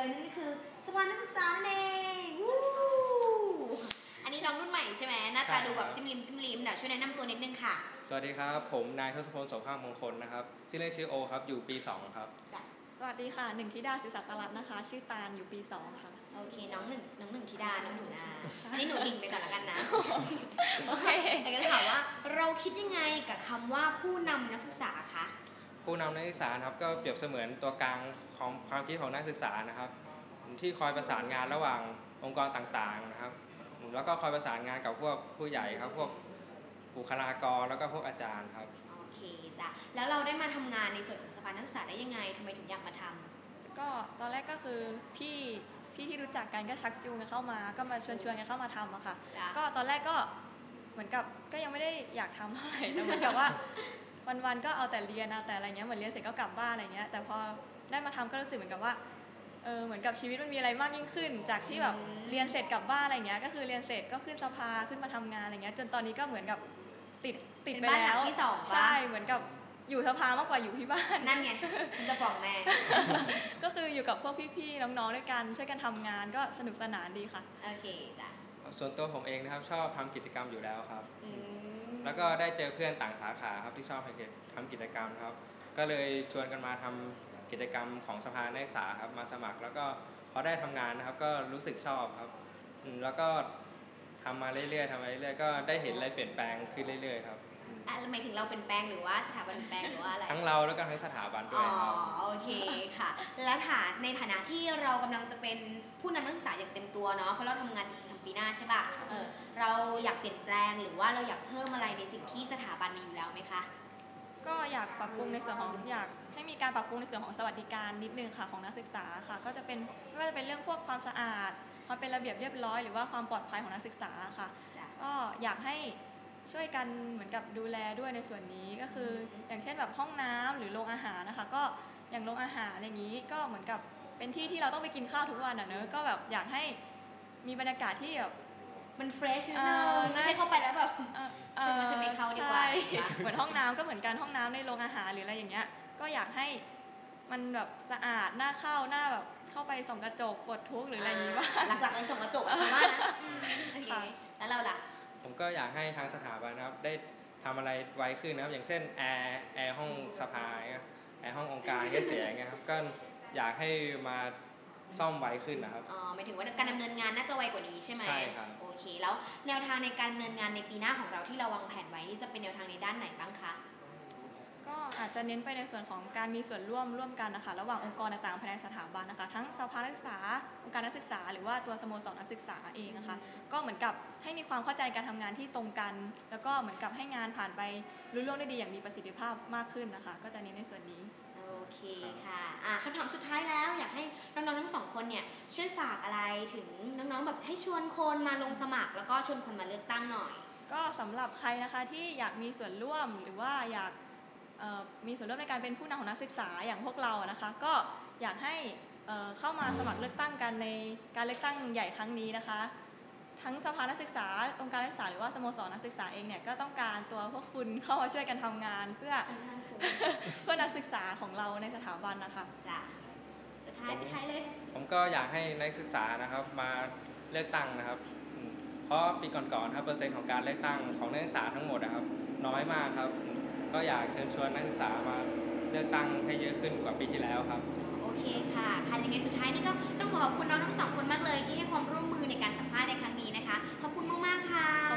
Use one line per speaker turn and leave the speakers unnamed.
นั่นก็คือสภานักศึกษาเองอันนี้น้องรุ่นใหม่ใช่ไหมหน้าตาดูแบบจิ้มลิ้มช่วยแนะนำตัวนิดนึงค่ะ
สวัสดีครับผมนายทศพลโสภามงคลนะครับชื่อเล่นชื่อโอครับอยู่ปี2ครับ
สวัสดีค่ะหนึ่งธิดาศิษย์ตรัตน์นะคะชื่อตาลอยู่ปี2ค่ะ
โอเคน้องหนึ่งธิดาน้องหนูนาอันนี้หนูดิ่งไปก่อนแล้วกันนะ
โอเค
แต่ก็ถามว่าเราคิดยังไงกับคำว่าผู้นำนักศึกษาคะ
ผู้นำนักศึกษาครับก็เปรียบเสมือนตัวกลางของความคิดของนักศึกษานะครับที่คอยประสานงานระหว่างองค์กรต่างๆนะครับแล้วก็คอยประสานงานกับพวกผู้ใหญ่ครับพวกบุคลากรแล้วก็พวกอาจารย์ครับ
โอเคจ้ะแล้วเราได้มาทำงานในส่วนของสภานักศึกษาได้ยังไงทำไมถึงอยากมาทำ
ก็ตอนแรกก็คือพี่ที่รู้จักกันก็ชักจูงกันเข้ามาก็มาชวนกันเข้ามาทำอะค่ะก็ตอนแรกก็เหมือนกับก็ยังไม่ได้อยากทำเท่าไหร่แต่เหมือนกับว่าวันๆก็เอาแต่เรียนเอาแต่อะไรเงี้ยเหมือนเรียนเสร็จก็กลับบ้านอะไรเงี้ยแต่พอได้มาทำก็รู้สึกเหมือนกับว่าเหมือนกับชีวิตมันมีอะไรมากยิ่งขึ้นจากที่แบบเรียนเสร็จกลับบ้านอะไรเงี้ยก็คือเรียนเสร็จก็ขึ้นสภาขึ้นมาทำงานอะไรเงี้ยจนตอนนี้ก็เหมือนกับติดไปแล้ว
ที่2
ใช่เหมือนกับอยู่สภามากกว่าอยู่ที่บ้าน
นั่นไงคุณจะฟ้องแม่
ก็คืออยู่กับพวกพี่ๆน้องๆด้วยกันช่วยกันทำงานก็สนุกสนานดีค่ะ
โอเคจ้ะ
ส่วนตัวผมเองนะครับชอบทำกิจกรรมอยู่แล้วครับแล้วก็ได้เจอเพื่อนต่างสาขาครับที่ชอบทำกิจกรรมครับก็เลยชวนกันมาทำกิจกรรมของสภานักศึกษาครับมาสมัครแล้วก็พอได้ทำงานนะครับก็รู้สึกชอบครับแล้วก็ทำมาเรื่อยๆก็ได้เห็นอะไรเปลี่ยนแปลงขึ้นเรื่อยๆครับ
หมายถึงเราเป็นแปลงหรือว่าสถาบันเป็นแปลงหรือว่าอะไร
ทั้งเราแล้วก็ทั้งสถาบันด้วยครับ
โอเคค่ะแล้วในฐานะที่เรากำลังจะเป็นผู้นำนักศึกษาอย่างเต็มตัวเนาะเพราะเราทำงานถึงปีหน้าใช่ป่ะเราอยากเปลี่ยนแปลงหรือว่าเราอยากเพิ่มอะไรในสิ่งที่สถาบันมีอยู่แล้วไหมคะ
ก็อยากปรับปรุงในส่วนของอยากให้มีการปรับปรุงในส่วนของสวัสดิการนิดนึงค่ะของนักศึกษาค่ะก็จะเป็นไม่ว่าจะเป็นเรื่องพวกความสะอาดความเป็นระเบียบเรียบร้อยหรือว่าความปลอดภัยของนักศึกษาค่ะก็อยากให้ช่วยกันเหมือนกับดูแลด้วยในส่วนนี้ก็คืออย่างเช่นแบบห้องน้ำหรือโรงอาหารนะคะก็อย่างโรงอาหารอย่างนี้ก็เหมือนกับเป็นที่เราต้องไปกินข้าวทุกวันเนอะก็แบบอยากให้มีบรรยากาศที่แบบ
มันเฟรชนิดนึงไม่ใช่เข้าไปแล้วแบบฉันไม่เข้าดีกว่า
เหมือนห้องน้ำก็เหมือนกันห้องน้ำในโรงอาหารหรืออะไรอย่างเงี้ยก็อยากให้มันแบบสะอาดน่าเข้าหน้าแบบเข้าไปส่องกระจกปวดทุกข์หรืออะไรอย่างงี้ว่า
หลักๆเลยส่องกระจกอะฉันว่านะโอเคแล้วเราล่ะ
ผมก็อยากให้ทางสถาบันนะครับได้ทำอะไรไวขึ้นนะครับอย่างเช่นแอร์ห้องสภาแอร์ห้ององค์การแค่เสียอย่างเงี้ยครับก็อยากให้มาซ่อมไวขึ้นนะครับ
หมายถึงว่าการดำเนินงานน่าจะไวกว่านี้ใช่ไหม
ใช่ครับ
โอเคแล้วแนวทางในการดำเนินงานในปีหน้าของเราที่เราวางแผนไว้นี่จะเป็นแนวทางในด้านไหนบ้างคะ
ก็อาจจะเน้นไปในส่วนของการมีส่วนร่วมกันนะคะระหว่างองค์กรต่างๆภายในสถาบันนะคะทั้งสภานักศึกษาองค์การนักศึกษาหรือว่าตัวสโมสรนักศึกษาเองนะคะก็เหมือนกับให้มีความเข้าใจการทำงานที่ตรงกันแล้วก็เหมือนกับให้งานผ่านไปรุ่งได้ดีอย่างมีประสิทธิภาพมากขึ้นนะคะก็จะเน้นในส่วนนี้
โอเคค่ะคำถามสุดท้ายแล้วอยากให้น้องๆทั้งสองคนเนี่ยช่วยฝากอะไรถึงน้องๆแบบให้ชวนคนมาลงสมัครแล้วก็ชวนคนมาเลือกตั้งหน่อย
ก็สำหรับใครนะคะที่อยากมีส่วนร่วมหรือว่าอยากมีส่วนร่วมในการเป็นผู้นำของนักศึกษาอย่างพวกเรานะคะก็อยากให้เข้ามาสมัครเลือกตั้งกันในการเลือกตั้งใหญ่ครั้งนี้นะคะทั้งสภานักศึกษาองค์การนักศึกษาหรือว่าสโมสรนักศึกษาเองเนี่ยก็ต้องการตัวพวกคุณเข้ามาช่วยกันทำงานเพื่อนักศึกษาของเราในสถาบันนะคะ
จ้ะสุดท้ายไปท้ายเลย
ผมก็อยากให้นักศึกษานะครับมาเลือกตั้งนะครับเพราะปีก่อนๆครับเปอร์เซ็นต์ของการเลือกตั้งของนักศึกษาทั้งหมดนะครับน้อยมากครับก็อยากเชิญชวนนักศึกษามาเลือกตั้งให้เยอะขึ้นกว่าปีที่แล้วครับ
โอเคค่ะยังไงสุดท้ายนี่ก็ต้องขอบคุณน้องทั้งสองคนมากเลยที่ให้ความร่วมมือในการสัมภาษณ์ในครั้งนี้นะคะขอบคุณมากๆค่ะ